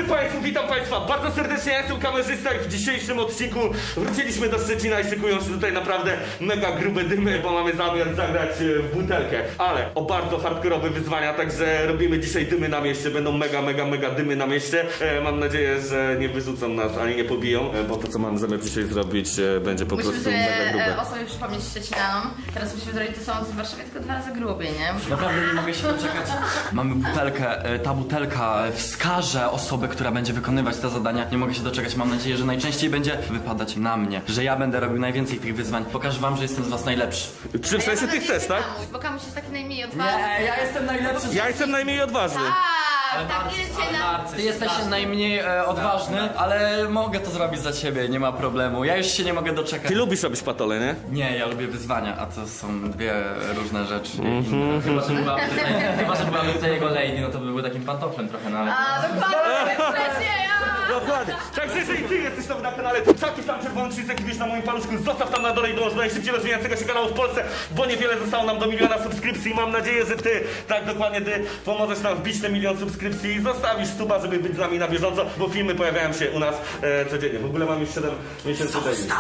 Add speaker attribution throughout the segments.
Speaker 1: Państwu, witam Państwa bardzo serdecznie, ja jestem kamerzysta i w dzisiejszym odcinku wróciliśmy do Szczecina i szykują się tutaj naprawdę mega grube dymy, bo mamy zamiar zagrać w butelkę. Ale o bardzo hardkorowe wyzwania, także robimy dzisiaj dymy na mieście, będą mega dymy na mieście. Mam nadzieję, że nie wyrzucą nas, ani nie pobiją, bo to co mamy zamiar dzisiaj zrobić będzie po prostu mega grube.
Speaker 2: Musimy o sobie przypomnieć Szczecinanom. Teraz musimy zrobić to samo co w Warszawie, tylko 2 razy grubiej, nie?
Speaker 3: Naprawdę nie mogę się doczekać. Mamy butelkę, ta butelka wskaże osobę, która będzie wykonywać te zadania. Nie mogę się doczekać, mam nadzieję, że najczęściej będzie wypadać na mnie. Że ja będę robił najwięcej tych wyzwań. Pokażę wam, że jestem z was najlepszy.
Speaker 1: Czy w sensie ty chcesz, tak?
Speaker 2: Bo Kamuś jest taki najmniej odważny.
Speaker 3: Nie, ja jestem najlepszy.
Speaker 1: Ja jestem najmniej odważny.
Speaker 2: Tak, ile cię na...
Speaker 3: Ty jesteś najmniej odważny, ale mogę to zrobić za ciebie, nie ma problemu. Ja już się nie mogę doczekać.
Speaker 1: Ty lubisz robić patole, nie?
Speaker 3: Nie, ja lubię wyzwania, a to są dwie różne rzeczy. Chyba, że byłaby tutaj jego lady, no to by był takim pantoflem trochę, no ale...
Speaker 2: A, dokładnie, wcześniej,
Speaker 1: Dokładnie. Także jeżeli ty jesteś tam na kanale, to czaki tam czerwony przycisk widzisz na moim paluszku, zostaw tam na dole i dołącz do najszybciej rozwijającego się kanału w Polsce, bo niewiele zostało nam do 1 000 000 subskrypcji. Mam nadzieję, że ty, tak dokładnie ty, pomożesz nam wbić te 1 000 000 subskrypcji i zostawisz suba, żeby być z nami na bieżąco, bo filmy pojawiają się u nas codziennie. W ogóle mam już 7 miesięcy daily.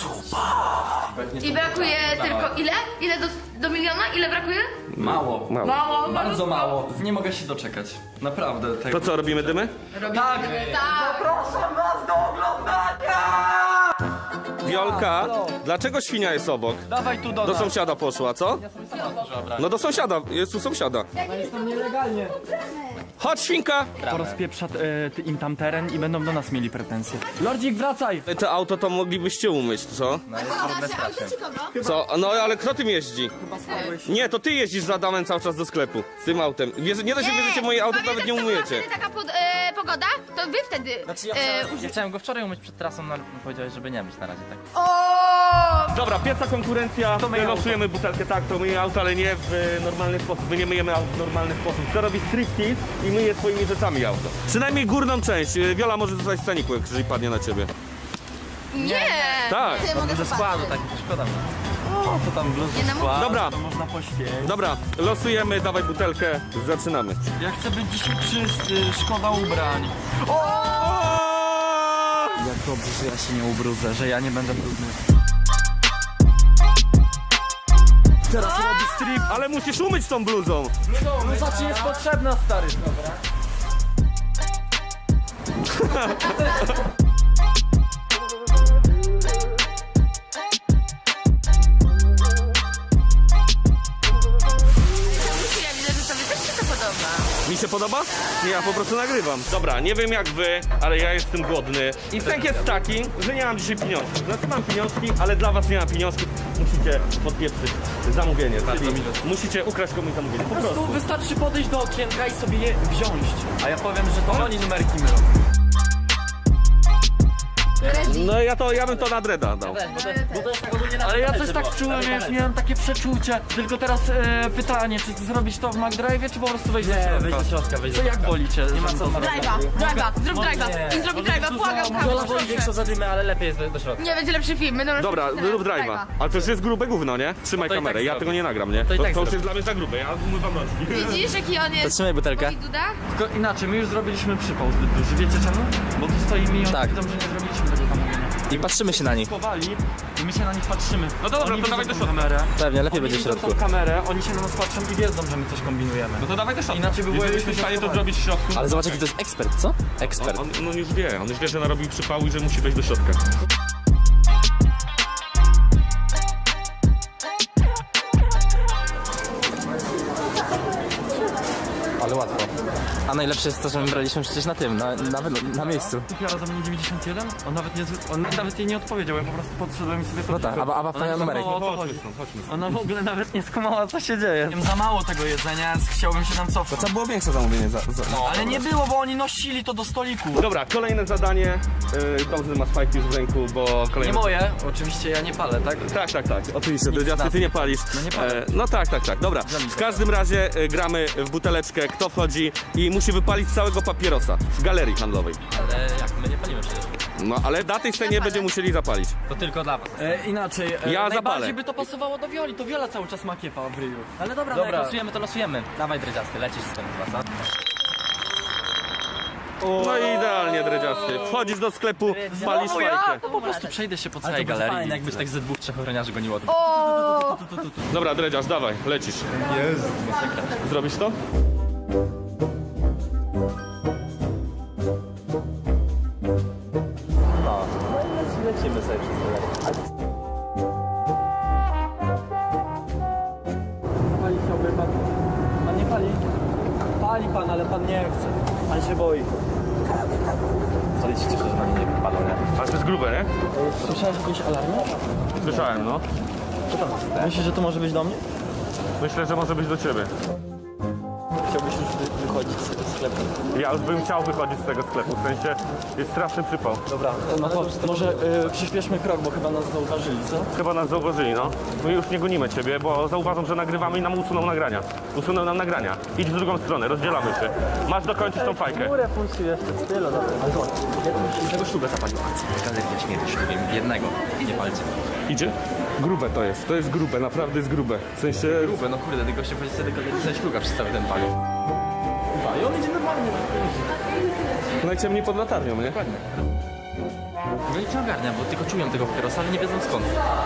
Speaker 2: I brakuje tylko ile? Ile do miliona? Ile brakuje?
Speaker 3: Mało.
Speaker 2: Mało.
Speaker 3: Bardzo mało. Nie mogę się doczekać. Naprawdę.
Speaker 1: To co, robimy dymy?
Speaker 3: Tak!
Speaker 2: Tak.
Speaker 1: Wiolka, dlaczego świnia jest obok?
Speaker 3: Dawaj tu
Speaker 1: Do sąsiada poszła, co? No do sąsiada, jest u sąsiada.
Speaker 3: Jestem nielegalnie.
Speaker 1: Chodź, świnka!
Speaker 3: Porozpieprza im tam teren i będą do nas mieli pretensje. Lordzik, wracaj!
Speaker 1: To auto to moglibyście umyć, co? Co? No ale kto tym jeździ? Nie, to ty jeździsz z Adamem cały czas do sklepu. Tym autem. Nie da się wierzycie, moje auto nawet nie umyjecie.
Speaker 2: Taka pogoda, to wy wtedy...
Speaker 4: Znaczy ja chciałem go wczoraj umyć przed trasą, no ale powiedziałeś, żeby nie myć na razie, tak?
Speaker 1: Dobra, pierwsza konkurencja, to my losujemy butelkę, tak, to myje auto, ale nie w normalny sposób. My nie myjemy auto w normalny sposób. To robi striptease i myje swoimi rzeczami auto. Przynajmniej górną część. Wiola może zostać w staniku, jeżeli padnie na ciebie.
Speaker 2: Nie!
Speaker 1: Tak.
Speaker 2: Ty, mogę
Speaker 4: Ze składu, tak, to szkoda mi.
Speaker 3: O, to tam bluz
Speaker 2: Nie na
Speaker 3: skład,
Speaker 1: Dobra.
Speaker 3: to można poświecić.
Speaker 1: Dobra, losujemy, dawaj butelkę, zaczynamy.
Speaker 3: Ja chcę być dzisiaj czysty, szkoda ubrań. Jak dobrze, że ja się nie ubrudzę, że ja nie będę brudny.
Speaker 1: Teraz robi strip, ale musisz umyć tą bluzą.
Speaker 3: Bluza ci jest potrzebna, stary. Dobra.
Speaker 2: Ja widzę, że tobie też się to podoba.
Speaker 1: Mi się podoba? Nie, ja po prostu nagrywam. Dobra, nie wiem jak wy, ale ja jestem głodny. I sęk jest taki, że nie mam dzisiaj pieniążków. Znaczy mam pieniążki, ale dla was nie mam pieniążków. Musicie podpieprzyć zamówienie. Czyli musicie ukraść komuś zamówienie. Po
Speaker 3: Po prostu
Speaker 1: prostu.
Speaker 3: wystarczy podejść do okienka i sobie je wziąć. A ja powiem, że to oni numerki mylą.
Speaker 1: No ja bym to na dreda dał.
Speaker 3: Ale ja też tak czułem, już miałem takie przeczucie. Tylko teraz pytanie, czy zrobić to w McDrive'ie, czy po prostu wejść do środka?
Speaker 4: Wejdź do środka, wejdź do
Speaker 3: Co jak
Speaker 4: środka.
Speaker 3: wolicie? Nie ma co
Speaker 2: Drive'a, zrób drive'a. I zrobi drive'a, błagam,
Speaker 4: Wiola
Speaker 2: Kamuś,
Speaker 4: woli większą zadymę, ale lepiej jest do środka.
Speaker 2: Nie, będzie lepszy film. Będą
Speaker 1: Dobra, rób drive'a. Ale to już jest grube gówno, nie? Trzymaj
Speaker 4: No to i
Speaker 1: kamerę,
Speaker 4: tak
Speaker 1: ja
Speaker 4: zrobię.
Speaker 1: tego nie nagram, nie?
Speaker 4: To i tak
Speaker 1: To już
Speaker 4: zrobię.
Speaker 1: jest dla mnie za grube, ja umywam nogi.
Speaker 2: Widzisz, jaki on jest...
Speaker 4: Zatrzymaj butelkę.
Speaker 2: Mówi Duda?
Speaker 3: Tylko inaczej, my już zrobiliśmy przypał zbyt duży. Wiecie czemu? Bo tu stoimy i oni
Speaker 4: Tak.
Speaker 3: widzą, że nie zrobiliśmy tego zamówienia.
Speaker 4: I patrzymy się na nich.
Speaker 3: Chowali i my się na nich patrzymy.
Speaker 1: No to dobra,
Speaker 3: Oni
Speaker 1: to dawaj
Speaker 3: widzą
Speaker 1: do
Speaker 3: tą
Speaker 1: środka.
Speaker 3: kamerę.
Speaker 4: Pewnie, lepiej
Speaker 3: Oni
Speaker 4: będzie w
Speaker 3: widzą
Speaker 4: środku.
Speaker 3: tą kamerę, oni się na nas patrzą i wiedzą, że my coś kombinujemy.
Speaker 1: No to dawaj do środka.
Speaker 3: Inaczej by było,
Speaker 1: Jeżeli
Speaker 3: jakbyśmy
Speaker 1: jesteś w stanie to
Speaker 3: schowali.
Speaker 1: zrobić w środku.
Speaker 4: Ale zobacz jaki to jest ekspert, co? Ekspert.
Speaker 1: On już wie, że narobił przypału i że musi wejść do środka.
Speaker 4: Ale łatwo. A najlepsze jest to, że my braliśmy przecież na tym, na miejscu.
Speaker 3: Kupiła za mnie 91? On nawet jej nie odpowiedział, ja po prostu podszedłem i sobie
Speaker 4: No tak, Aba
Speaker 3: Ona
Speaker 4: wpania
Speaker 3: nie
Speaker 4: numerek.
Speaker 3: skumała, o co chodzi.
Speaker 1: Chodźmy.
Speaker 3: Ona w ogóle nawet nie skumała, co się dzieje. Wiem za mało tego jedzenia, więc chciałbym się tam cofnąć.
Speaker 1: Trzeba było większe zamówienie
Speaker 3: Ale nie było, bo oni nosili to do stoliku.
Speaker 1: Dobra, kolejne zadanie. Dobrze, masz fajki już w ręku, bo
Speaker 3: Nie
Speaker 1: kolejne...
Speaker 3: moje, oczywiście ja nie palę, tak?
Speaker 1: Tak. Oczywiście, Dredziasty, ty nie palisz.
Speaker 3: No nie palę.
Speaker 1: No tak. Dobra, w każdym razie gramy w buteleczkę, kto wchodzi i musi wypalić całego papierosa w galerii handlowej.
Speaker 4: Ale jak, my nie palimy przecież.
Speaker 1: No ale na tej scenie będziemy musieli zapalić.
Speaker 4: To tylko dla was.
Speaker 3: Inaczej,
Speaker 1: Ja
Speaker 3: najbardziej
Speaker 1: zapalę.
Speaker 3: by to pasowało do Wioli, to Wiola cały czas ma kiepa w ryju.
Speaker 4: Ale dobra, no jak losujemy, to losujemy. Dawaj dredziasty, lecisz z tym chyba, co?
Speaker 1: No i idealnie. dredziasty. Wchodzisz do sklepu, palisz fajkę.
Speaker 3: Po prostu przejdę się po
Speaker 4: Ale
Speaker 3: całej
Speaker 4: to będzie
Speaker 3: galerii.
Speaker 4: fajne, jakbyś tak ze 2-3 ochroniarzy goniło.
Speaker 2: O!
Speaker 1: Dobra, dredziarz, dawaj, lecisz.
Speaker 4: Jest.
Speaker 1: Zrobisz to?
Speaker 4: No, lecimy sobie przez to. Pali chciałby pan. Pan nie pali? Pali pan, ale pan nie chce. Pan się boi. Co liczycie, że na mnie nie palą, nie?
Speaker 1: Ale to jest grube, nie?
Speaker 4: Słyszałeś jakieś alarmy?
Speaker 1: Słyszałem, no.
Speaker 4: Co tam? Myślisz, że to może być do mnie?
Speaker 1: Myślę, że może być do ciebie.
Speaker 4: Chciałbyś już wychodzić z sklepu.
Speaker 1: Ja już bym chciał wychodzić z tego sklepu, w sensie jest straszny przypał.
Speaker 4: Dobra, no to może przyspieszmy krok, bo chyba nas zauważyli, co?
Speaker 1: Chyba nas zauważyli, no. My już nie gonimy ciebie, bo zauważą, że nagrywamy i nam usuną nagrania. Usuną nam nagrania. Idź w drugą stronę, rozdzielamy się. Masz dokończyć tą fajkę.
Speaker 4: Górę puścił jeszcze, tyle. Ale zobacz, jednego szlugę zapalił. Galeria śmierci, powiem, jednego, nie palcie.
Speaker 1: Idzie? Grube to jest grube, naprawdę jest grube. W sensie...
Speaker 4: Grube, no kurde, tylko się wchodzi sobie do galerii, że szluga przedstawi ten palił. I on idzie normalnie.
Speaker 1: Najciemniej pod latarnią, nie?
Speaker 4: No i nie ogarnia, bo tylko czują tego papierosa, ale nie wiedzą skąd.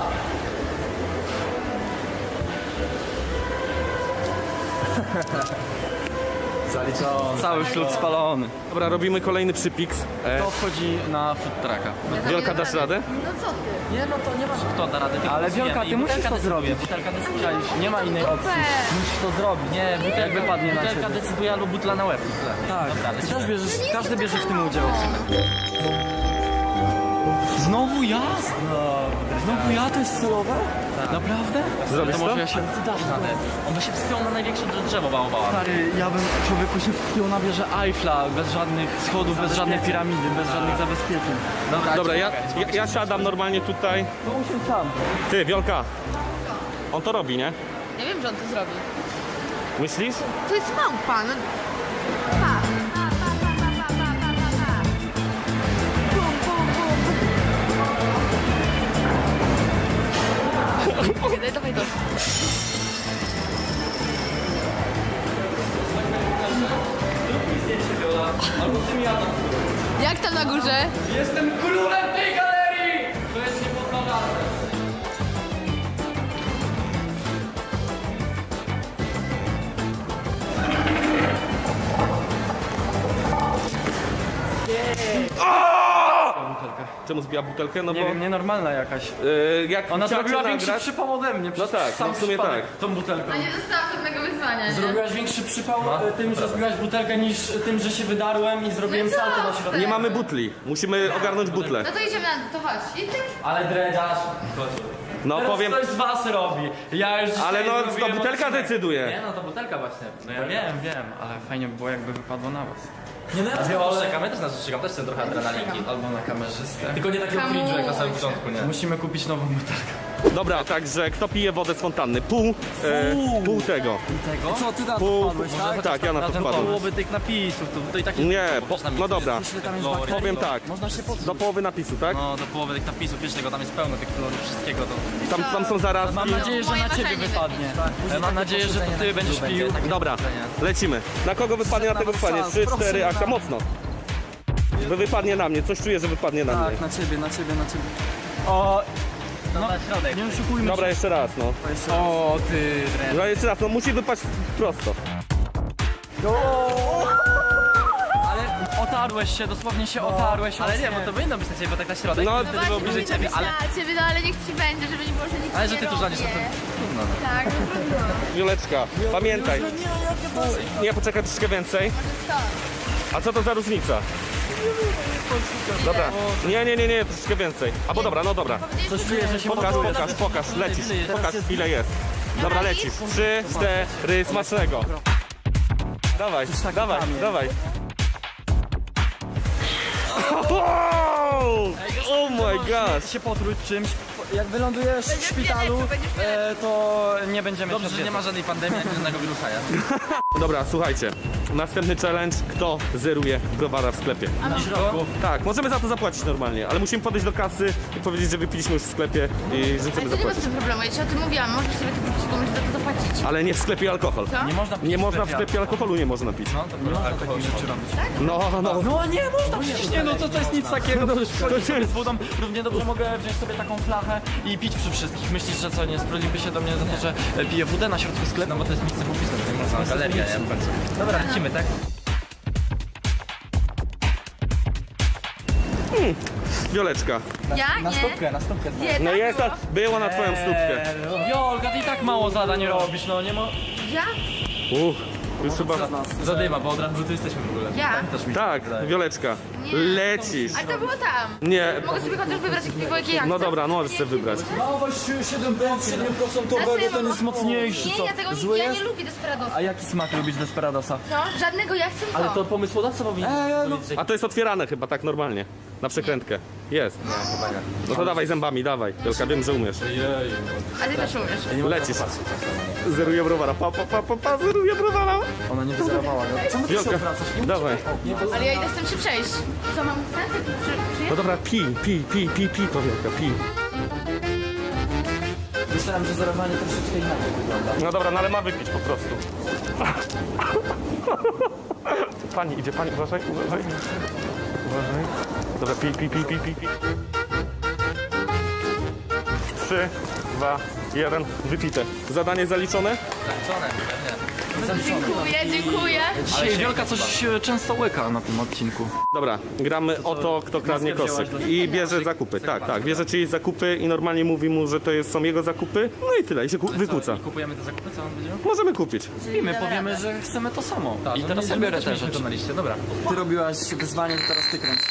Speaker 4: Zaliczony.
Speaker 3: Cały ślub spalony.
Speaker 1: Dobra, robimy kolejny przypiks.
Speaker 3: To wchodzi na food trucka.
Speaker 1: Wielka, dasz radę?
Speaker 2: No co ty?
Speaker 4: Nie, no to nie ma kto da rady. tylko
Speaker 3: Ale
Speaker 4: głosujemy.
Speaker 3: Wielka, ty
Speaker 4: I
Speaker 3: musisz
Speaker 4: butelka
Speaker 3: to
Speaker 4: decyduje,
Speaker 3: zrobić.
Speaker 4: Butelka decyduje.
Speaker 3: Nie ma innej opcji.
Speaker 2: Super.
Speaker 3: Musisz to zrobić. Nie, jak wypadnie na
Speaker 4: Butelka
Speaker 3: ciebie.
Speaker 4: decyduje albo butla na łeb.
Speaker 3: Tak,
Speaker 4: Dobra,
Speaker 3: ty
Speaker 4: lecimy.
Speaker 3: też bierzesz, każdy bierze w tym udział. Znowu ja? Znowu ja? To jest celowe? Naprawdę?
Speaker 1: Zrobisz to?
Speaker 3: może ja się...
Speaker 4: Ty dasz radę. On by się wspiął na największe drzewo baobaba.
Speaker 3: Stary, ja bym człowieku się wpiął na wieżę Eiffla, bez żadnych schodów, bez żadnej piramidy, bez żadnych zabezpieczeń.
Speaker 1: Dobra, ja siadam normalnie tutaj.
Speaker 3: To usiądź sam.
Speaker 1: Ty, Wiolka. On to robi, nie?
Speaker 2: Ja wiem, że on to zrobi.
Speaker 1: Myślisz?
Speaker 2: To jest małpa, no. Pa. Pa, pa, pa, pa, pa, pa, pa, pa. Bum, bum, bum. Dawaj, dawaj to.
Speaker 3: Albo ty mi jadam.
Speaker 2: Jak tam na górze?
Speaker 3: Jestem królem tej galerii! To jest niepodważalne.
Speaker 1: Czemu zbiła butelkę? No
Speaker 3: Nie
Speaker 1: bo...
Speaker 3: wiem, nienormalna jakaś.
Speaker 1: Jak
Speaker 3: Ona
Speaker 1: chciała
Speaker 3: zrobiła
Speaker 1: cię
Speaker 3: większy
Speaker 1: nagrać-
Speaker 3: przypał ode mnie.
Speaker 1: No tak,
Speaker 3: sam
Speaker 1: no w sumie
Speaker 3: przypadek
Speaker 1: tak.
Speaker 3: Tą butelką.
Speaker 2: A nie dostałam żadnego wyzwania, nie?
Speaker 3: Zrobiłaś większy przypał tym, że zbiłaś butelkę niż tym, że się wydarłem i zrobiłem
Speaker 2: No co?
Speaker 3: salto na środku.
Speaker 1: Nie mamy butli. Musimy ogarnąć butlę.
Speaker 2: No to idziemy na to, chodź. I ty...
Speaker 3: Ale dredziarz.
Speaker 1: No
Speaker 3: Teraz
Speaker 1: powiem...
Speaker 3: ktoś z was robi. Ja już
Speaker 1: Ale
Speaker 3: dzisiaj
Speaker 1: no to
Speaker 3: zrobiłem
Speaker 1: butelka
Speaker 3: odcinek.
Speaker 1: decyduje.
Speaker 4: Nie, no to butelka właśnie.
Speaker 3: No ja wiem, ale fajnie by było jakby wypadło na was.
Speaker 4: Nie, no ja też czekam, ja też nas czekam, też chcę trochę adrenalinki.
Speaker 3: Albo na kamerzystę.
Speaker 4: Tylko nie takiego cringe'u jak na samym
Speaker 2: Hamuj się.
Speaker 4: początku, nie?
Speaker 3: Musimy kupić nową butelkę.
Speaker 1: Dobra, także kto pije wodę z fontanny? Pół tego.
Speaker 3: Tego? Co, ty na
Speaker 1: Pół... Tak, ja na to
Speaker 3: ten
Speaker 1: wpadłem.
Speaker 3: połowy tych napisów, to i tak jest...
Speaker 1: Nie, no dobra.
Speaker 3: Tam jest
Speaker 1: Powiem tak.
Speaker 3: Można się podnieść.
Speaker 1: Do połowy napisu, tak?
Speaker 4: No do połowy tych napisów, wiesz tego, tam jest pełno tych kolorów, wszystkiego to...
Speaker 1: Tam są zaraz.
Speaker 3: Mam nadzieję, że
Speaker 2: Moje
Speaker 3: na ciebie
Speaker 2: marzenie
Speaker 3: wypadnie.
Speaker 2: będzie.
Speaker 3: Mam nadzieję, że to ty będziesz pił.
Speaker 1: Dobra, lecimy. Na kogo wypadnie, na tego wypadnie. 3, 4, akcja, mocno. Że wypadnie na mnie, coś czuję, że wypadnie na mnie.
Speaker 3: Tak, na ciebie. O,
Speaker 4: No na środek.
Speaker 3: nie oszukujmy
Speaker 1: Dobra,
Speaker 3: się.
Speaker 1: jeszcze raz, no.
Speaker 4: O ty, Dren.
Speaker 1: Dobra, jeszcze raz, no musi wypaść prosto.
Speaker 3: Ale otarłeś się, dosłownie się otarłeś.
Speaker 4: Ale nie,
Speaker 3: ostnie.
Speaker 4: bo to powinno być na ciebie, bo tak na środek,
Speaker 1: No,
Speaker 4: no, wtedy było bliżej ciebie, ale...
Speaker 2: ciebie, no ale niech ci będzie, żeby nie było, że nic
Speaker 4: Ale
Speaker 2: nie
Speaker 4: że ty tu rządzisz, no to
Speaker 2: robię.
Speaker 4: trudno. No.
Speaker 2: Tak, no trudno.
Speaker 1: Wioleczka, pamiętaj. Nie, poczekaj troszkę więcej. A co to za różnica? Dobra, nie, troszkę więcej. Albo dobra, no dobra.
Speaker 3: Coś czuję, że się
Speaker 1: Pokaż, lecisz. Pokaż ile jest. Dobra, lecisz. 3, 4, smacznego. Dawaj, dawaj. Oh my gosh.
Speaker 3: się potruć czymś. Jak wylądujesz w
Speaker 2: Będziesz
Speaker 3: szpitalu,
Speaker 2: wielek, będziesz wielek.
Speaker 3: to nie będziemy
Speaker 4: Dobrze, że nie ma żadnej pandemii, ani żadnego wirusa, ja.
Speaker 1: Dobra, słuchajcie. Następny challenge. Kto zeruje browara w sklepie? Tak, możemy za to zapłacić normalnie, ale musimy podejść do kasy i powiedzieć, że wypiliśmy już w sklepie i że chcemy
Speaker 2: Ale to nie ma z
Speaker 1: zapłacić.
Speaker 2: tym problemu, ja ci o tym mówiłam, możesz sobie to kupić, komuś za to zapłacić.
Speaker 1: Ale nie w sklepie alkohol.
Speaker 2: Co?
Speaker 3: Nie można pić
Speaker 1: Nie można w sklepie alkoholu nie można pić.
Speaker 4: No, to alkohol rzeczy robić.
Speaker 1: No.
Speaker 3: No nie można, przecież nie, no to jest nic takiego. Przychodzisz sobie z wodą, równie dobrze mogę wziąć sobie taką flachę i pić przy wszystkich. Myślisz, że co, nie sprawdziłby się do mnie za to, że piję wódę na środku sklepu?
Speaker 4: No bo to jest miejsce publiczne, tutaj można galeria, nie? W końcu. Dobra, lecimy, tak?
Speaker 1: Wioleczka.
Speaker 2: Ja?
Speaker 4: Na
Speaker 2: Nie.
Speaker 4: stópkę.
Speaker 2: Nie,
Speaker 1: No
Speaker 2: tak
Speaker 1: jest,
Speaker 2: było.
Speaker 1: była na twoją stópkę.
Speaker 3: Wiolka, ty i tak mało zadań robisz, no nie ma...
Speaker 2: Ja?
Speaker 1: Już chyba...
Speaker 4: Zadyma, bo od razu tu jesteśmy w ogóle.
Speaker 2: Ja?
Speaker 4: Pamiętasz mi?
Speaker 1: Tak, Wioleczka.
Speaker 2: Nie.
Speaker 1: Lecisz.
Speaker 2: Ale to było tam.
Speaker 1: Nie.
Speaker 2: Mogę sobie chociaż wybrać jak piwo, jakie ja
Speaker 1: No
Speaker 2: chcę.
Speaker 1: dobra, no możesz sobie wybrać.
Speaker 3: Dawaj 7% ten jest mocniejszy,
Speaker 2: Nie,
Speaker 3: co?
Speaker 2: ja tego
Speaker 3: Zły
Speaker 2: ja
Speaker 3: jest?
Speaker 2: nie lubię Desperadosa.
Speaker 3: A jaki smak lubić Desperadosa?
Speaker 2: Co? Żadnego, ja chcę
Speaker 3: Ale
Speaker 2: to.
Speaker 3: to pomysłodawca powinien powiedzieć,
Speaker 1: A to jest otwierane chyba tak normalnie. Na przekrętkę. Jest. No to dawaj zębami, dawaj. Wielka, wiem, że umiesz.
Speaker 2: A ty też umiesz.
Speaker 1: Lecisz. Zeruję browara. Pa, zeruję browara.
Speaker 3: Ona nie wyzerowała. Czemu ty się
Speaker 1: Wielka,
Speaker 3: odwracasz?
Speaker 1: dawaj.
Speaker 2: Ale ja idę z tym się przejść. Co, mam stać?
Speaker 1: No dobra, pij to Wielka, pij.
Speaker 3: Myślałem, że zerowanie troszeczkę inaczej wygląda.
Speaker 1: No dobra, no ale ma wypić po prostu. Pani, idzie pani, uważaj. Dobra, pij. 3, 2, 1, wypite. Zadanie zaliczone?
Speaker 2: Dziękuję.
Speaker 3: Dzisiaj Wielka coś często łyka na tym odcinku.
Speaker 1: Dobra, gramy o to, kto kradnie koszyk. I bierze zakupy. Tak, bierze czyjeś zakupy i normalnie mówi mu, że to są jego zakupy. No i tyle, i się wykłóca.
Speaker 4: Kupujemy te zakupy, co on będzie?
Speaker 1: Możemy kupić.
Speaker 3: I my powiemy, że chcemy to samo. I teraz
Speaker 4: ja
Speaker 3: ja biorę te
Speaker 4: to
Speaker 3: rzeczy.
Speaker 4: na liście, dobra.
Speaker 3: Ty robiłaś wyzwanie, to teraz ty kręć.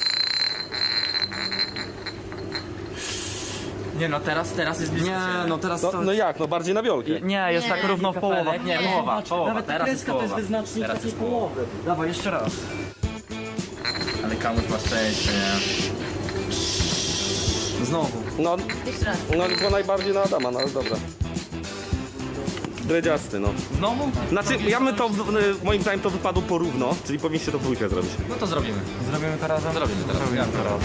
Speaker 4: Nie no, teraz jest blisko.
Speaker 3: Nie, no teraz to...
Speaker 1: No jak, no bardziej na Wiolkę.
Speaker 3: Nie, jest
Speaker 2: Nie,
Speaker 3: tak równo w połowa.
Speaker 4: Nie, połowa.
Speaker 3: Nawet ta
Speaker 4: Teraz jest
Speaker 3: kreska to jest
Speaker 4: połowa.
Speaker 3: wyznacznik
Speaker 4: Teraz
Speaker 3: takiej
Speaker 4: jest połowa.
Speaker 3: połowy. Dawaj, jeszcze raz.
Speaker 4: Ale Kamuś ma szczęście, nie?
Speaker 3: Znowu.
Speaker 1: No,
Speaker 2: Jeszcze raz.
Speaker 1: to najbardziej na Adama, no ale dobra. Dredziasty, no.
Speaker 4: Znowu?
Speaker 1: Znaczy, ja bym to, moim zdaniem to wypadło porówno, czyli powinniście to w dwójkę zrobić.
Speaker 4: No to zrobimy.
Speaker 3: Zrobimy to razem?
Speaker 4: Zrobimy teraz.
Speaker 3: Zrobimy to razem.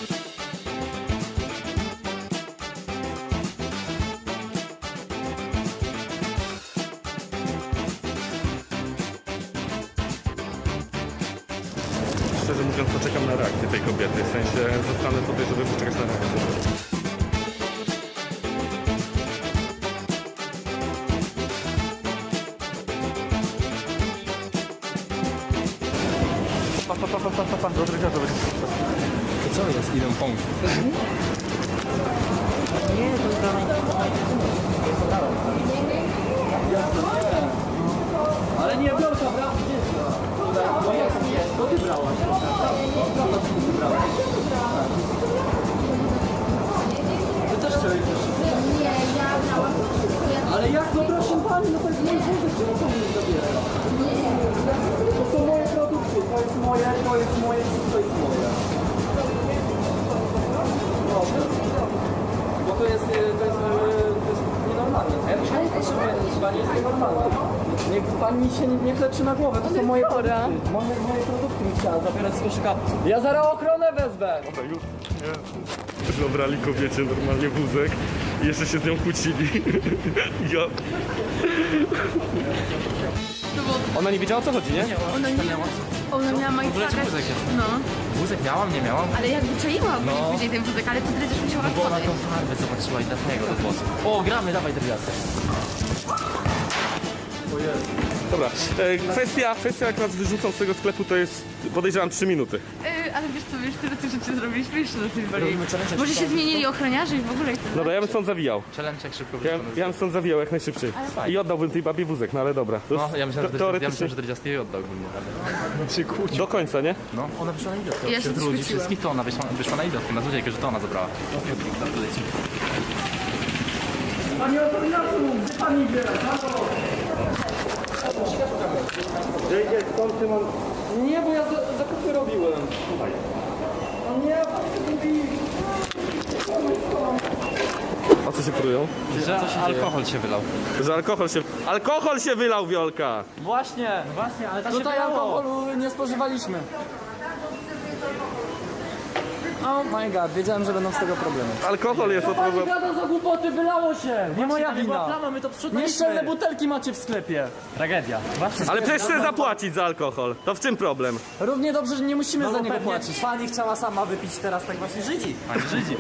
Speaker 1: Szczerze mówiąc, to czekam na reakcję tej kobiety, w sensie zostanę tutaj, żeby poczekać na reakcję. Pa, do dredziarza będzie.
Speaker 4: To co jest? Idę pomóc.
Speaker 3: Ale nie, Wiolka, brawo, gdzie jest? No jest, to ty brałaś. Ty też chciałeś też. Ale jak, no proszę pani, no to jest mój wózek, czemu to mnie zabiera? To są moje produkty, to jest moje, wszystko jest moje. No, bo to jest nienormalne. Pani jest nienormalna. Niech pani się nie kleczy na głowę, to są moje produkty. Moje produkty mi chciała zabierać z koszyka. Ja zaraz ochronę wezmę!
Speaker 1: Dobra, już. Zabrali kobiecie normalnie wózek i jeszcze się z nią kłócili. Ja. Ona nie wiedziała o co chodzi, nie?
Speaker 2: Ona miała majstraka.
Speaker 4: wózek jest?
Speaker 2: No,
Speaker 4: Wózek miałam, nie miałam?
Speaker 2: ale jak wyczaiłam później ten wózek, ale to dredziarz musiała
Speaker 4: Bo ona
Speaker 2: otworzyć.
Speaker 4: tą farbę zobaczyła i dlatego do włosów. O, gramy, dawaj Dredziasty.
Speaker 1: Dobra. Kwestia jak nas wyrzucą z tego sklepu to jest podejrzewam 3 minuty.
Speaker 2: Ale wiesz co, tyle tych rzeczy zrobiliśmy jeszcze na tej
Speaker 4: Robimy challenge,
Speaker 2: Może
Speaker 4: jak
Speaker 2: się zmienili ochroniarze i w ogóle.
Speaker 1: Dobra, ja bym stąd zawijał.
Speaker 4: Challenge jak szybko
Speaker 1: Ja
Speaker 4: wykonać.
Speaker 1: bym stąd zawijał jak najszybciej. I oddałbym tej babie wózek, no ale dobra. To
Speaker 4: No, ja myślałem, że
Speaker 1: teoretycznie
Speaker 4: Dredziasty jej oddałbym. Ale się kłócił.
Speaker 1: do końca, nie?
Speaker 4: No, ona wyszła na idiotkę.
Speaker 2: Ja się
Speaker 4: Wśród ludzi
Speaker 2: skłóciłam.
Speaker 4: wszystkich to ona wyszła na idiotkę, na złodziejkę, że to ona zabrała.
Speaker 3: Pani ochroniarzu, gdzie pani biera?
Speaker 1: Skąd ty mam...
Speaker 3: Nie, bo ja zakupy robiłem. No nie, pani mówi...
Speaker 1: co się prują?
Speaker 3: Że alkohol się wylał.
Speaker 1: Że alkohol się wylał, Wiolka!
Speaker 4: Właśnie, ale
Speaker 3: Tutaj
Speaker 4: tutaj
Speaker 3: alkoholu nie spożywaliśmy.
Speaker 4: Oh my god, wiedziałem, że będą z tego problemy.
Speaker 1: Alkohol jest od tego...
Speaker 4: Gada za głupoty, wylało się! Nie moja wina!
Speaker 3: Plama, my to sprzątaliśmy.
Speaker 4: Nieszczelne butelki macie w sklepie. Tragedia.
Speaker 1: Ale przecież chcę zapłacić za alkohol. To w czym problem?
Speaker 4: Równie dobrze, że nie musimy za niego
Speaker 3: pewnie
Speaker 4: płacić.
Speaker 3: pani chciała sama wypić teraz tak właśnie Żydzi. Pani Żydzi.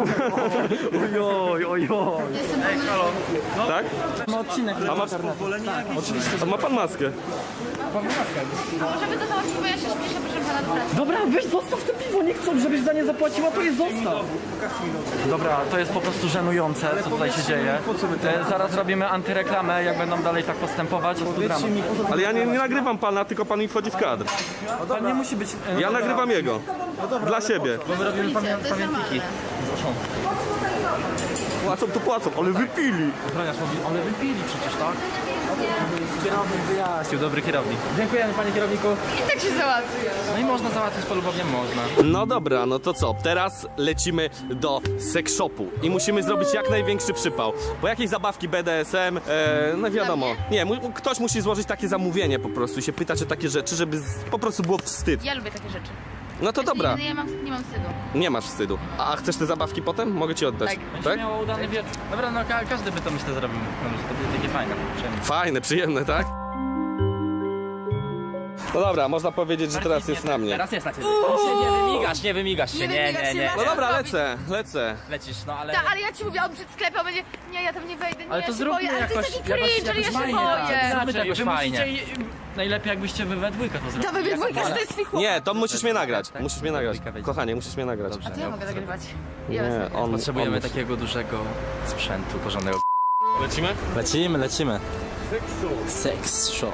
Speaker 4: Ojoj.
Speaker 1: Tak?
Speaker 4: Ma odcinek na
Speaker 1: A ma,
Speaker 4: internetu.
Speaker 1: a ma pan maskę?
Speaker 2: A może by to załatwić, bo ja się śpieszę, proszę pana, do pracy.
Speaker 4: Dobra, weź zostaw te piwo, nie chcą, żebyś za nie zapłaciła, to je zostaw. Dobra, to jest po prostu żenujące, co tutaj się dzieje. Zaraz robimy antyreklamę, jak będą dalej tak postępować.
Speaker 1: Ale ja nie nagrywam pana, tylko pan mi wchodzi w kadr.
Speaker 4: Pan nie musi być...
Speaker 1: Ja nagrywam jego. Dla siebie.
Speaker 2: Policja, to jest normalne.
Speaker 1: Płacą, ale wypili.
Speaker 4: Ale wypili przecież, tak? Kierownik wyjaśnił, dobry kierownik. Dziękujemy, panie kierowniku.
Speaker 2: I tak się załatwi.
Speaker 3: No i można załatwić polubownie, można.
Speaker 1: No dobra, no to co? Teraz lecimy do sex shopu i musimy zrobić jak największy przypał. Bo jakieś zabawki BDSM, no wiadomo. Nie, ktoś musi złożyć takie zamówienie po prostu i się pytać o takie rzeczy, żeby po prostu było wstyd.
Speaker 2: Ja lubię takie rzeczy.
Speaker 1: No to dobra,
Speaker 2: Nie mam wstydu.
Speaker 1: nie masz wstydu. A chcesz te zabawki potem? Mogę ci oddać.
Speaker 2: Tak.
Speaker 4: Miało udany wieczór.
Speaker 3: Dobra, no każdy by to myślę zrobił. No, że to będzie takie fajne, przyjemne.
Speaker 1: Fajne, przyjemne, tak? No dobra, można powiedzieć, że teraz jest na mnie.
Speaker 3: Teraz jest na ciebie. Nie wymigasz się. Nie.
Speaker 1: No dobra, lecę.
Speaker 3: Lecisz, no ale...
Speaker 2: Tak, ale ja ci mówię, on przed sklepem będzie, nie, ja tam nie wejdę, nie,
Speaker 3: Ale
Speaker 2: ja
Speaker 3: to
Speaker 2: się
Speaker 3: zróbmy
Speaker 2: boję, ale to
Speaker 3: jakoś-
Speaker 2: jest taki cringe, ale ja się
Speaker 3: fajnie,
Speaker 2: boję.
Speaker 3: Zróbmy to jakoś
Speaker 4: Wy
Speaker 3: fajnie.
Speaker 4: musicie... Najlepiej jakbyście wy we dwójkę to zrobili.
Speaker 2: Dawaj we dwójkę, że to jest swój chłopak.
Speaker 1: Nie, to musisz mnie nagrać. Musisz mnie nagrać.
Speaker 3: Dwójka wejdzie.
Speaker 1: Kochanie, musisz mnie nagrać.
Speaker 2: A to ja mogę nagrywać. Ja
Speaker 1: Nie,
Speaker 2: wezmę.
Speaker 1: on
Speaker 3: Potrzebujemy
Speaker 1: musi.
Speaker 3: takiego dużego sprzętu, porządnego.
Speaker 1: Lecimy?
Speaker 3: Lecimy. Sex shop.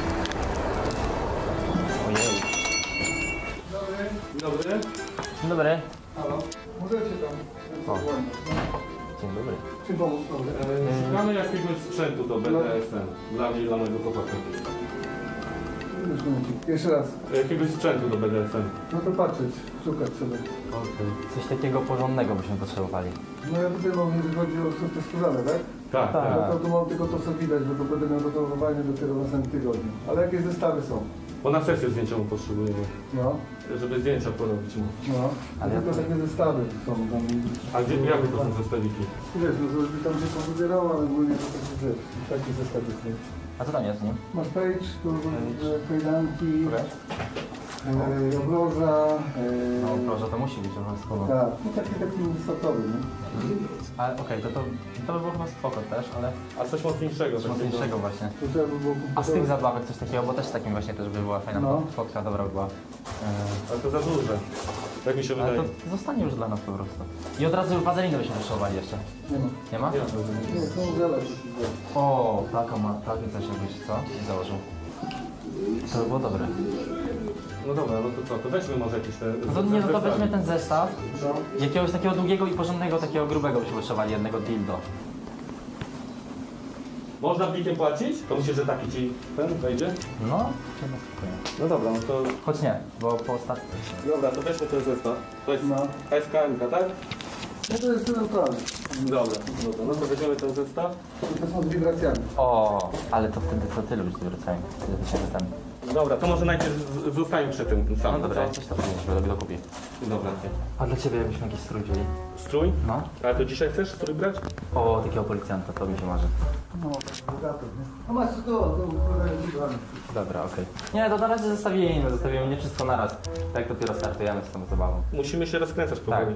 Speaker 4: Dzień dobry.
Speaker 3: Dzień dobry.
Speaker 1: Szukamy jakiegoś sprzętu do BDSM. Dla mnie i dla mojego chłopaka.
Speaker 5: Jeszcze raz.
Speaker 1: Jakiegoś sprzętu do BDSM.
Speaker 5: No to patrzeć, szukać sobie.
Speaker 3: Coś takiego porządnego byśmy potrzebowali.
Speaker 5: No ja tutaj mam, jeżeli chodzi o te skórzane, tak?
Speaker 1: Tak, tak.
Speaker 5: No to tu mam tylko to, co widać, bo to będę miał gotowanie dopiero w następnym tygodniu. Ale jakie zestawy są?
Speaker 1: Bo na sesję zdjęciową potrzebujemy.
Speaker 5: No,
Speaker 1: Żeby zdjęcia porobić mu.
Speaker 5: no. Ale tylko takie zestawy są tam.
Speaker 1: A gdzie, jakie to są zestawiki?
Speaker 5: Wiesz, no to żeby tam się powybierało, ale ogólnie to takie rzeczy. Takie zestawy są.
Speaker 3: A co tam jest w nim?
Speaker 5: Masz page, tu kajdanki, obroża.
Speaker 3: No proszę, to musi być obowiązkowo.
Speaker 5: Tak, no taki wysokowy, nie?
Speaker 3: Ale okej, to by było chyba spoko też, ale
Speaker 1: A coś mocniejszego.
Speaker 3: coś mocniejszego właśnie.
Speaker 5: To trzeba by było
Speaker 3: A z tych zabawek coś takiego, bo też takim właśnie też by była fajna
Speaker 5: No.
Speaker 3: fotka, dobra by była.
Speaker 1: Ale to za duże. Tak mi się
Speaker 3: Ale
Speaker 1: wydaje.
Speaker 3: to zostanie już dla nas po prostu. I od razu wazelinę byśmy potrzebowali jeszcze.
Speaker 5: Nie ma.
Speaker 3: Nie ma?
Speaker 5: Nie, są żele.
Speaker 3: O, takie coś jakbyś co? Założył. To by było dobre.
Speaker 1: No dobra, no to co? To weźmy może jakieś te...
Speaker 3: No to nie, no to
Speaker 1: zestawy.
Speaker 3: weźmy ten zestaw.
Speaker 5: No.
Speaker 3: Jakiegoś takiego długiego i porządnego, takiego grubego byśmy potrzebowali, jednego dildo.
Speaker 1: Można blikiem płacić? To myślę, że taki ci ten wejdzie?
Speaker 3: No, chyba spokojnie.
Speaker 1: No dobra, no to...
Speaker 3: Choć nie, bo po ostatnim...
Speaker 1: Dobra, to weźmy ten zestaw. To jest
Speaker 5: No.
Speaker 1: SKM, tak?
Speaker 5: No to jest neutralny.
Speaker 1: Dobra, no to weźmiemy ten zestaw.
Speaker 5: To są z wibracjami.
Speaker 3: O, ale to wtedy to ty lubisz wracają. Wtedy to się ten...
Speaker 1: Dobra, to może najpierw zostańmy przy tym
Speaker 3: No
Speaker 1: samym,
Speaker 3: dobra,
Speaker 1: co?
Speaker 3: coś to powinniśmy dokupić.
Speaker 1: Dobra.
Speaker 3: A dla ciebie jakbyśmy jakiś strój wzięli?
Speaker 1: Strój?
Speaker 3: No.
Speaker 1: Ale to dzisiaj chcesz strój brać?
Speaker 3: O, takiego policjanta, to mi się marzy.
Speaker 5: No, bogato, nie? No masz to wibrany.
Speaker 3: Dobra, okej. Nie, to na razie zostawimy nie wszystko naraz. Tak dopiero startujemy z tą zabawą.
Speaker 1: Musimy się rozkręcać powoli.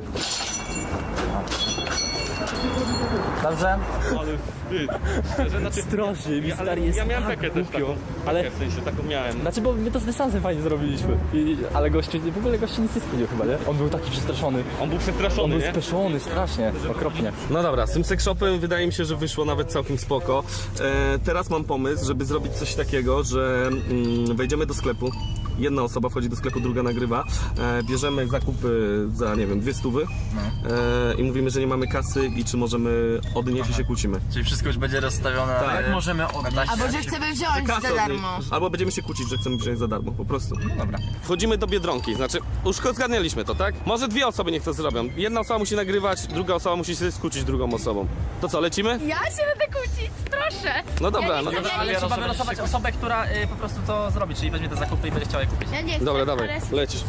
Speaker 3: Dobrze?
Speaker 1: Ale wstyd.
Speaker 4: Strasznie, mi
Speaker 1: Ja, ale
Speaker 4: stary jest
Speaker 1: ja miałem
Speaker 4: tak
Speaker 1: pekę też
Speaker 4: głupio.
Speaker 1: taką.
Speaker 4: Ale-
Speaker 1: W sensie, taką miałem.
Speaker 4: Znaczy, bo my to z dystansem fajnie zrobiliśmy. Ale gościu, w ogóle gościu nic nie spójdził chyba, nie? On był taki przestraszony.
Speaker 1: On był
Speaker 4: On
Speaker 1: przestraszony,
Speaker 4: był
Speaker 1: nie?
Speaker 4: speszony strasznie, okropnie.
Speaker 1: No dobra, z tym sex shopem wydaje mi się, że wyszło nawet całkiem spoko. Teraz mam pomysł, żeby zrobić coś takiego, że wejdziemy do sklepu,
Speaker 6: jedna osoba wchodzi do sklepu, druga nagrywa. Bierzemy zakupy za, nie wiem, 200 i mówimy, że nie mamy kasy i czy możemy odnieść i się kłócimy.
Speaker 3: Czyli wszystko już będzie rozstawione.
Speaker 6: Tak.
Speaker 3: Jak możemy oddać?
Speaker 2: Albo że chcemy wziąć za darmo.
Speaker 6: Albo będziemy się kłócić, że chcemy wziąć za darmo, po prostu.
Speaker 3: Dobra.
Speaker 6: Wchodzimy do Biedronki, znaczy już zgadnęliśmy to, tak? Może dwie osoby niech to zrobią. Jedna osoba musi nagrywać, druga osoba musi się skłócić drugą osobą. To co, lecimy?
Speaker 2: Ja się będę kłócić, proszę.
Speaker 6: No dobra, no.
Speaker 7: Ale trzeba wylosować osobę, która po prostu to zrobi, czyli weźmie te zakupy i będzie chciała je kupić.
Speaker 2: Ja nie chcę,
Speaker 6: Dobra, dawaj,
Speaker 2: ale...
Speaker 6: lecisz.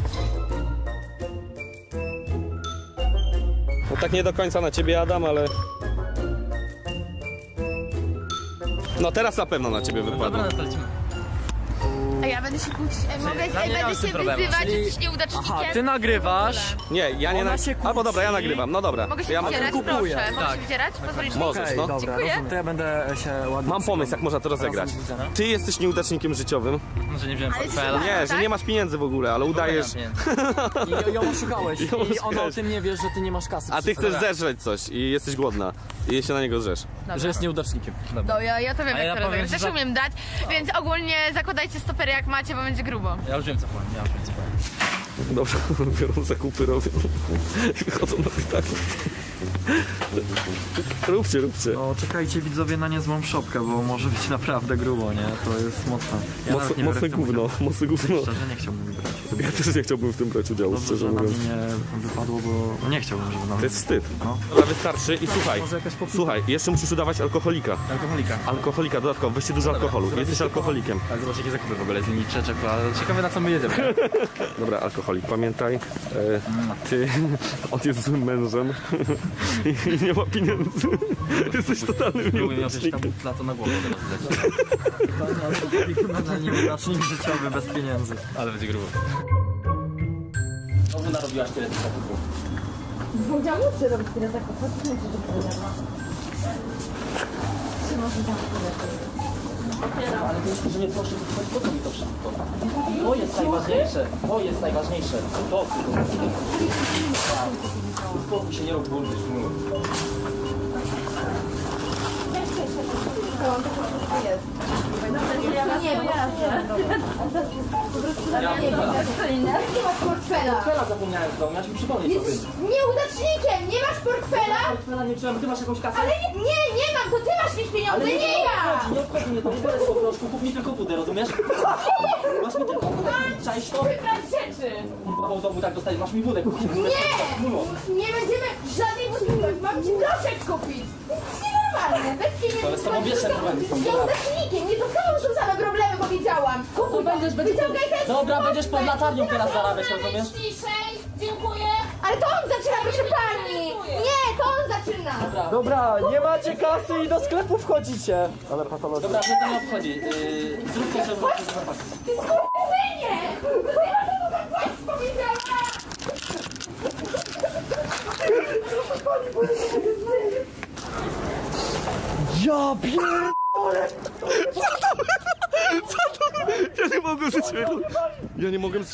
Speaker 6: No tak nie do końca na ciebie, Adam, ale... No teraz na pewno na ciebie wypadło.
Speaker 7: Dobra, no to lecimy.
Speaker 2: A ja będę się kłócić.
Speaker 7: Dla mnie nie mam
Speaker 2: Będę
Speaker 7: z tym
Speaker 2: się
Speaker 7: problemu.
Speaker 2: wyzywać, że jesteś nieudacznikiem.
Speaker 4: Aha, ty nagrywasz.
Speaker 6: Nie, ja nie
Speaker 4: Ona się kłóci.
Speaker 6: Albo dobra, ja nagrywam, no dobra.
Speaker 2: Mogę się
Speaker 6: Ja
Speaker 2: wydzierać,
Speaker 4: kupuję.
Speaker 2: proszę. Mogę
Speaker 7: Tak.
Speaker 2: się wydzierać? Pozwolisz mi?
Speaker 6: Możesz,
Speaker 4: Okej,
Speaker 6: no.
Speaker 4: dobra,
Speaker 2: Dziękuję.
Speaker 4: rozumiem. To ja będę się ładnie...
Speaker 6: Mam pomysł, jak można to rozegrać. Ty jesteś nieudacznikiem życiowym.
Speaker 7: No, że nie wziąłem
Speaker 2: Ale
Speaker 7: portfela.
Speaker 2: ty-
Speaker 6: Nie, że
Speaker 2: tak?
Speaker 6: nie masz pieniędzy w ogóle, ale udajesz...
Speaker 4: I ją oszukałeś.
Speaker 6: Ją
Speaker 4: I ona o
Speaker 6: oszukałeś.
Speaker 4: tym nie wie, że ty nie masz kasy.
Speaker 6: A ty chcesz zeżreć coś i jesteś głodna. I się na niego drzesz.
Speaker 4: Że jest nieudacznikiem.
Speaker 2: No ja to wiem,
Speaker 7: A ja
Speaker 2: jak to
Speaker 7: powiem,
Speaker 2: rozegrać.
Speaker 7: że
Speaker 2: Też umiem dać, więc ogólnie zakładajcie stopery jak macie, bo będzie grubo.
Speaker 7: Ja już wiem co powiem,
Speaker 6: Dobrze, biorą zakupy, robią. I wychodzą na pytanie. Róbcie.
Speaker 4: No czekajcie widzowie na niezłą szopkę, bo może być naprawdę grubo, nie? To jest mocne. Ja nawet nie biorę
Speaker 6: Mocne
Speaker 4: w tym
Speaker 6: gówno,
Speaker 4: udziału.
Speaker 6: mocne gówno.
Speaker 4: Szczerze nie chciałbym brać.
Speaker 6: Ja też nie chciałbym w tym brać udziału,
Speaker 4: Dobrze,
Speaker 6: szczerze
Speaker 4: że na
Speaker 6: mówiąc.
Speaker 4: mnie nie wypadło, bo nie chciałbym, żeby na
Speaker 6: To
Speaker 4: mnie...
Speaker 6: jest wstyd.
Speaker 4: No.
Speaker 6: Dobra, wystarczy i słuchaj.
Speaker 4: Może jakaś popita?
Speaker 6: Słuchaj, jeszcze musisz udawać alkoholika.
Speaker 7: Alkoholika.
Speaker 6: Alkoholika, dodatkowo, weźcie dużo alkoholu. Jesteś alkoholikiem.
Speaker 3: Ale zobacz jakie zakupy w ogóle z nimi czekolada. Ciekawe na co my jedziemy.
Speaker 6: Dobra, alkoholik, pamiętaj, ty, on jest złym mężem i nie ma pieniędzy. Jesteś totalnym
Speaker 3: Spróbuję miał coś tam
Speaker 6: nieudacznikiem.
Speaker 3: na to na głowę teraz leci.
Speaker 4: Nieudacznik życiowy bez pieniędzy.
Speaker 3: Ale będzie grubo.
Speaker 7: Znowu narobiłaś tyle tych zakupów. Ale to jest, że nie proszę, po co mi to wszystko? To jest najważniejsze, to jest najważniejsze. To uspokój się, nie rób burdy, szumów.
Speaker 2: Portfela.
Speaker 7: Portfela zapomniałem w domu, ja ci przypomnę to.
Speaker 2: Jesteś nieudacznikiem, nie masz portfela?
Speaker 7: Portfela nie wziąłem, ty masz jakąś kasę?
Speaker 2: Ale nie mam, to ty masz mieć pieniądze, nie ja!
Speaker 7: Nie obchodzi mnie to, nie biorę z poproszku, kup mi tylko wódę, rozumiesz? Masz mi tylko wódę kupić, czaisz to?
Speaker 2: Wybrać rzeczy!
Speaker 7: Kurwa, w domu tak dostać, masz mi wódę kupić.
Speaker 2: Nie będziemy żadnej budynków, mam ci proszek kupić! To jest nienormalne, bez pieniędzy.
Speaker 7: To jest samobieżne problemy są.
Speaker 2: Z nieudacznikiem, nie to samo są same problemy, powiedziałam! Kupuj to, wyciągaj ten
Speaker 7: Dobra,
Speaker 2: portfel.
Speaker 7: będziesz pod latarnią teraz zarabiać, rozumiesz?
Speaker 2: Ciszej, dziękuję! Ale to on zaczyna, proszę pani! Nie, to on zaczyna!
Speaker 4: Dobra, nie macie kasy i do sklepu wchodzicie. Ale patologia.
Speaker 7: Dobra, mnie to nie obchodzi. Zrób to, żeby...
Speaker 2: Ty skurwysynie! Ja to tak właśnie powiedziałam!
Speaker 4: Ja pierdolę!
Speaker 6: Ja nie mogę żyć. Ja nie mogę...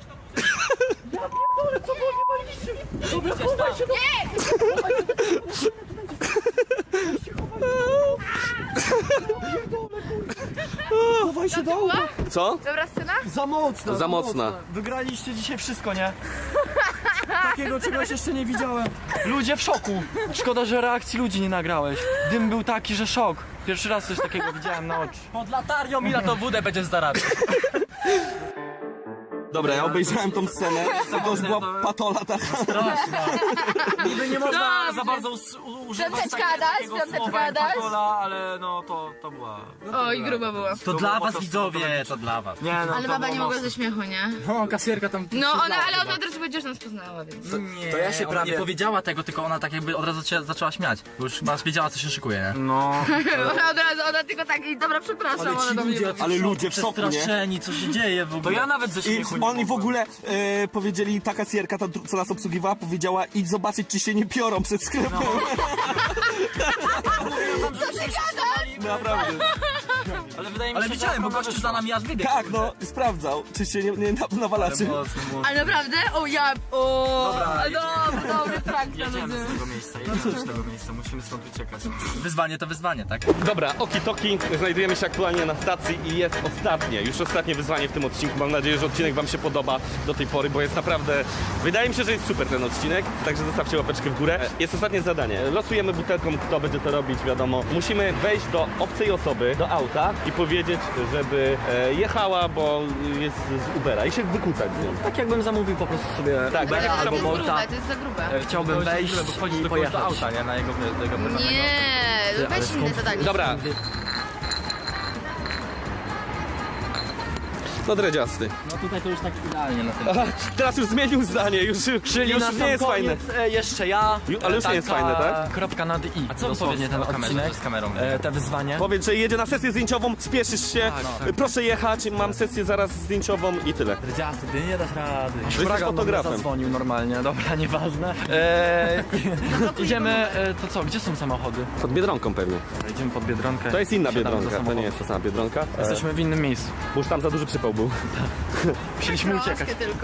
Speaker 4: Chowaj się do łba.
Speaker 6: Co?
Speaker 2: Dobra scena?
Speaker 4: Za mocna.
Speaker 6: Za mocna.
Speaker 4: Wygraliście dzisiaj wszystko, nie? Takiego czegoś jeszcze nie widziałem. Ludzie w szoku. Szkoda, że reakcji ludzi nie nagrałeś. Dym był taki, że szok. Pierwszy raz coś takiego widziałem na oczy.
Speaker 7: Pod latarnią i na to wódę będziesz zarabiać.
Speaker 6: Dobra, ja obejrzałem tą scenę, to już była patola taka.
Speaker 7: Niby nie można za bardzo używać
Speaker 2: Piąteczka dać, piąteczka dać.
Speaker 7: ale no to była...
Speaker 2: O, i grubo było.
Speaker 7: To dla was widzowie, to dla was.
Speaker 3: Nie no,
Speaker 2: Ale baba nie mogła ze śmiechu, nie?
Speaker 7: No, kasjerka tam...
Speaker 2: No, ale ona od razu powiedziała, że nas poznała, więc...
Speaker 7: Nie,
Speaker 3: to ja się
Speaker 7: ona
Speaker 3: prawie-
Speaker 7: nie powiedziała tego, tylko ona tak jakby od razu się zaczęła śmiać. Bo już chyba wiedziała, co się szykuje, nie?
Speaker 3: no.
Speaker 2: Ona od razu, ona tylko tak, i dobra, przepraszam, ona do mnie mówi.
Speaker 6: Ale ludzie w szoku, nie?
Speaker 7: Przestraszeni, co się dzieje w ogóle.
Speaker 3: To ja nawet ze
Speaker 6: I
Speaker 3: śmiechu nie
Speaker 6: oni w
Speaker 3: mogłem.
Speaker 6: ogóle powiedzieli, ta kasjerka, ta, co nas obsługiwała, powiedziała idź zobaczyć, czy się nie piorą przed sklepem.
Speaker 2: Co ty gadasz?
Speaker 6: Naprawdę.
Speaker 3: Ale wydaje mi się,
Speaker 7: Ale widziałem, bo gościu za nami aż wybiegł.
Speaker 6: Tak, no, sprawdzał, czy się nie nawalacie.
Speaker 2: Ale naprawdę? O ja... O... Dobry prank na
Speaker 3: Jedziemy z tego miejsca, jedziemy z tego miejsca, musimy stąd uciekać.
Speaker 7: Wyzwanie to wyzwanie, tak?
Speaker 1: Dobra, oki-toki, znajdujemy się aktualnie na stacji i jest już ostatnie wyzwanie w tym odcinku. Mam nadzieję, że odcinek wam się podoba do tej pory, bo jest naprawdę, wydaje mi się, że jest super ten odcinek, także zostawcie łapeczkę w górę. Jest ostatnie zadanie, losujemy butelką, kto będzie to robić, wiadomo. Musimy wejść do obcej osoby, do auta i powiedzieć, żeby jechała, bo jest z Ubera i się wykłócać z nią.
Speaker 4: Tak jakbym zamówił po prostu sobie
Speaker 1: Tak,
Speaker 4: Ubera
Speaker 2: Ale to
Speaker 4: albo
Speaker 2: jest
Speaker 4: Bolta.
Speaker 2: grube, to jest za grube.
Speaker 4: Chciałbym wejść i pojechać.
Speaker 7: auta, nie? Na jego
Speaker 2: Nie, weź inne zadanie.
Speaker 1: Dobra. No dredziasty.
Speaker 7: No tutaj to już tak idealnie na tym.
Speaker 1: Aha, teraz już zmienił zdanie, już
Speaker 4: Czyli na
Speaker 1: nie
Speaker 4: sam
Speaker 1: jest fajne.
Speaker 4: koniec jeszcze ja.
Speaker 1: Ale już nie jest fajne, tak?
Speaker 4: Kropka nad i.
Speaker 7: A co
Speaker 4: dosłownie
Speaker 7: powiedz
Speaker 4: ten
Speaker 7: o kamerze,
Speaker 4: odcinek,
Speaker 7: że z kamerą?
Speaker 4: te wyzwanie.
Speaker 1: Powiedz, że jedzie na sesję zdjęciową, spieszysz się, proszę jechać, mam sesję zaraz zdjęciową i tyle.
Speaker 7: Dredziasty, ty nie dasz rady.
Speaker 1: Jesteś fotografem.
Speaker 4: Zadzwonił normalnie, dobra, nieważne. Idziemy, to co, gdzie są samochody?
Speaker 1: Pod Biedronką pewnie.
Speaker 4: Idziemy pod Biedronkę.
Speaker 1: To jest inna
Speaker 4: Wsiadamy do
Speaker 1: Biedronka, to
Speaker 4: samochodu.
Speaker 1: nie jest ta sama Biedronka.
Speaker 4: Jesteśmy w innym miejscu.
Speaker 1: Bo już tam za duży przypał był.
Speaker 4: Musieliśmy uciekać.
Speaker 2: Troszkę tylko.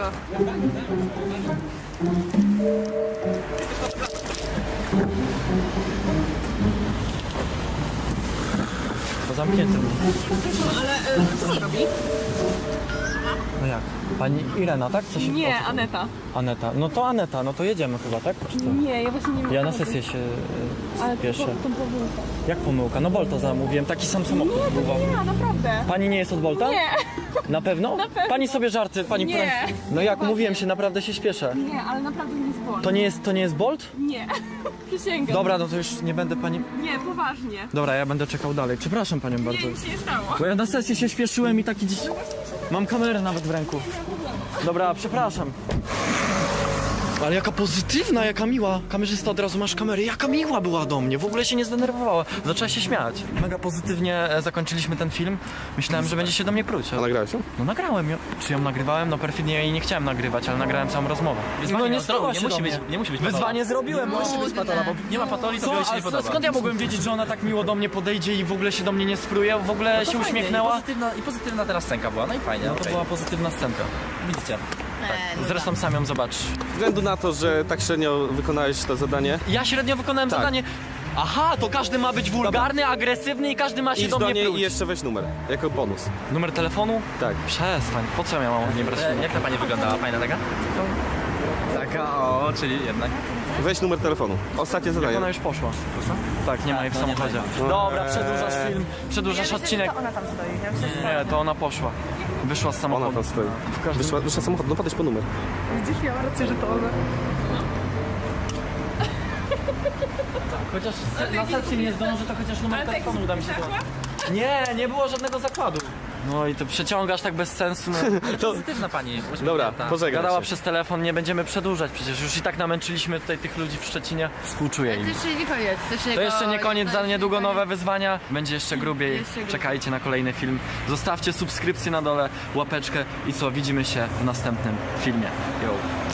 Speaker 4: To zamknięte. Ale co on robi? No jak? Pani Irena, tak? Co się
Speaker 8: Nie, Aneta.
Speaker 4: Aneta. No to Aneta, no to jedziemy chyba, tak? Czy co?
Speaker 8: Nie, ja właśnie nie mam.
Speaker 4: Ja na sesję się
Speaker 8: Ale
Speaker 4: spieszę.
Speaker 8: to pomyłka.
Speaker 4: Jak pomyłka? No Bolta zamówiłem, taki sam samochód
Speaker 8: Nie,
Speaker 4: był.
Speaker 8: to nie ja, naprawdę.
Speaker 4: Pani nie jest od Bolta?
Speaker 8: Nie,
Speaker 4: Na pewno?
Speaker 8: Na pewno.
Speaker 4: Pani sobie żarty, pani
Speaker 8: Nie.
Speaker 4: prank- No jak mówiłem się, naprawdę się śpieszę.
Speaker 8: nie, ale naprawdę nie jest Bolt.
Speaker 4: To nie jest Bolt?
Speaker 8: Nie, przysięgam.
Speaker 4: Dobra, no to już nie będę pani...
Speaker 8: Nie, poważnie.
Speaker 4: Dobra, ja będę czekał dalej. Przepraszam panią bardzo.
Speaker 8: Nie, nic się nie stało.
Speaker 4: Bo ja na sesję się śpieszyłem i taki dziś... Mam kamerę nawet w ręku. Dobra, przepraszam. Ale jaka pozytywna, jaka miła. Kamerzysta od razu masz kamerę. Jaka miła była do mnie. W ogóle się nie zdenerwowała. Zaczęła się śmiać. Mega pozytywnie zakończyliśmy ten film. Myślałem, że będzie się do mnie pruć.
Speaker 1: A nagrałeś ją?
Speaker 4: No nagrałem ją. Czy ją nagrywałem? No perfidnie jej nie chciałem nagrywać, ale nagrałem całą rozmowę.
Speaker 7: Wyzwanie,
Speaker 4: nie
Speaker 7: no,
Speaker 4: spała
Speaker 7: nie
Speaker 4: się
Speaker 7: musi
Speaker 4: do
Speaker 7: być-
Speaker 4: mnie.
Speaker 7: nie musi być
Speaker 4: Wyzwanie zrobiłem.
Speaker 7: Musi być patola, bo nie ma patoli, to
Speaker 4: Co?
Speaker 7: białej się
Speaker 4: A
Speaker 7: nie podoba.
Speaker 4: skąd ja mogłem wiedzieć, że ona tak miło do mnie podejdzie i w ogóle się do mnie nie spruje? W ogóle się uśmiechnęła?
Speaker 7: I pozytywna teraz scenka była, no i fajnie.
Speaker 4: No to była pozytywna scenka.
Speaker 7: Widzicie.
Speaker 4: Zresztą sam ją zobacz.
Speaker 6: Ze względu na to, że tak średnio wykonałeś to zadanie,
Speaker 4: Ja średnio wykonałem
Speaker 6: Tak.
Speaker 4: zadanie. Aha, to każdy ma być wulgarny, agresywny i każdy ma się
Speaker 6: idź
Speaker 4: do
Speaker 6: do
Speaker 4: mnie
Speaker 6: niej
Speaker 4: pruć.
Speaker 6: i jeszcze weź numer, jako bonus.
Speaker 4: Numer telefonu?
Speaker 6: Tak.
Speaker 4: Przestań, po co ja mam nie brać numeru?
Speaker 7: Jak ta pani wyglądała? Fajna taka? Taka, o, czyli jednak.
Speaker 6: Weź numer telefonu. Ostatnie zadanie.
Speaker 4: Ona już poszła. Tak, nie ma jej w
Speaker 7: no nie
Speaker 4: samochodzie.
Speaker 7: ma.
Speaker 4: Dobra, przedłużasz film, przedłużasz odcinek.
Speaker 2: ona tam stoi.
Speaker 4: Nie, to ona poszła. Wyszła z
Speaker 6: Ona
Speaker 4: samochodu.
Speaker 6: tam stoi. Wyszła samochód, no podejdź po numer.
Speaker 8: Widzisz, miała rację, że to ona.
Speaker 4: Chociaż na sesji nie zdążę, to chociaż numer telefonu uda mi się to. Nie, nie było żadnego zakładu. No i to przeciągasz tak bez sensu. No.
Speaker 7: Pozytywna pani.
Speaker 6: Dobra, pożegnaj
Speaker 4: Gadała
Speaker 6: się.
Speaker 4: przez telefon, nie będziemy przedłużać, przecież już i tak namęczyliśmy tutaj tych ludzi w Szczecinie. Współczuję
Speaker 2: To
Speaker 4: im.
Speaker 2: jeszcze nie koniec.
Speaker 4: To jeszcze nie koniec, za niedługo nowe wyzwania. Będzie jeszcze grubiej.
Speaker 2: Jeszcze grubiej.
Speaker 4: Czekajcie na kolejny film. Zostawcie subskrypcję na dole, łapeczkę i co, widzimy się w następnym filmie. Yo.